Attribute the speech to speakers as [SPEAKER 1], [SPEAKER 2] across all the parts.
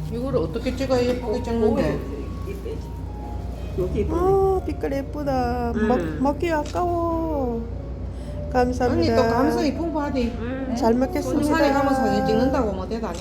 [SPEAKER 1] 이거를 어떻게 찍어야 예쁘게 찍는데?
[SPEAKER 2] 여기
[SPEAKER 3] 아, 빛깔 예쁘다. 먹기 아까워.
[SPEAKER 1] 언니
[SPEAKER 3] 감사합니다.
[SPEAKER 1] 또 감성이 풍부하디.
[SPEAKER 3] 잘
[SPEAKER 1] 산에
[SPEAKER 3] 먹겠습니다.
[SPEAKER 1] 가면 사진 찍는다고 뭐 대단해.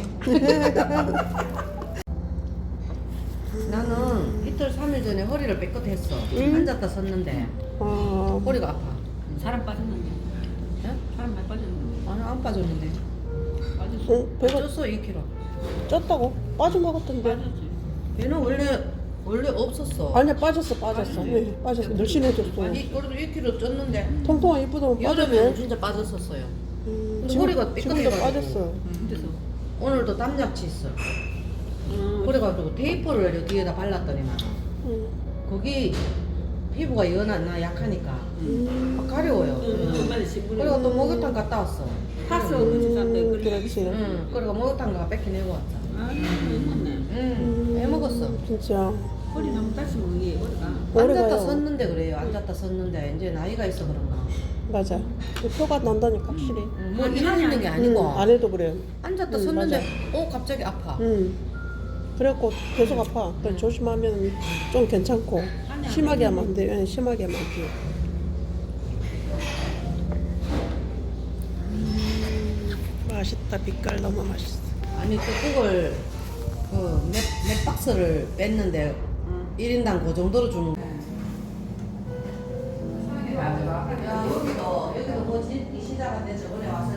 [SPEAKER 1] 나는 이틀 3일 전에 허리를 뺏긋했어. 앉았다 섰는데 허리가 아파.
[SPEAKER 2] 사람 빠졌는데.
[SPEAKER 1] 예?
[SPEAKER 2] 사람 많이 빠졌는데.
[SPEAKER 1] 아니 안 빠졌는데.
[SPEAKER 2] 빠졌어.
[SPEAKER 3] 어, 배가
[SPEAKER 1] 쪘어 2kg.
[SPEAKER 3] 쪘다고? 빠져먹었던데.
[SPEAKER 2] 빠졌지.
[SPEAKER 1] 배는 원래 없었어.
[SPEAKER 3] 아니야, 빠졌어. 네, 빠졌어. 늘씬해졌어.
[SPEAKER 1] 아니 그래도 1kg 쪘는데
[SPEAKER 3] 통통한 이쁘다고
[SPEAKER 1] 여름에는
[SPEAKER 3] 빠졌네.
[SPEAKER 1] 진짜 빠졌었어요. 근데
[SPEAKER 3] 지금-
[SPEAKER 1] 허리가
[SPEAKER 3] 지금도
[SPEAKER 1] 삐끗해가지고.
[SPEAKER 3] 빠졌어.
[SPEAKER 2] 그래서.
[SPEAKER 1] 오늘도 땀약치 있어. 그래가지고 테이프를 여기에다 발랐더니만 거기 피부가 연하나 약하니까 막 가려워요.
[SPEAKER 2] 빨리 신분이.
[SPEAKER 1] 그리고 또 목욕탕 갔다 왔어.
[SPEAKER 2] 파스 그지 싼데
[SPEAKER 3] 그렇지.
[SPEAKER 1] 응. 그리고 목욕탕 가 뺏기내고 왔어.
[SPEAKER 2] 아, 먹네.
[SPEAKER 1] 응. 해먹었어.
[SPEAKER 3] 진짜.
[SPEAKER 2] 허리 너무 다시 먹이 허리가.
[SPEAKER 3] 오래
[SPEAKER 1] 앉았다
[SPEAKER 3] 가요.
[SPEAKER 1] 섰는데 그래요. 앉았다 섰는데 이제 나이가 있어 그런가.
[SPEAKER 3] 맞아. 표가 난다니까, 확실히.
[SPEAKER 1] 뭐 일을 있는 게 아니고
[SPEAKER 3] 안 해도 그래.
[SPEAKER 1] 앉았다 섰는데 갑자기 아파.
[SPEAKER 3] 그래갖고 계속 아파. 그래, 조심하면 좀 괜찮고. 심하게 하면 안 돼. 심하게 하면 안 돼. 맛있다. 빛깔 너무 맛있어.
[SPEAKER 1] 아니 또 그걸 몇 박스를 뺐는데 1인당 그 정도로 주는 거야. 야, 여기도 뭐지? 이 시작한데 저번에 와서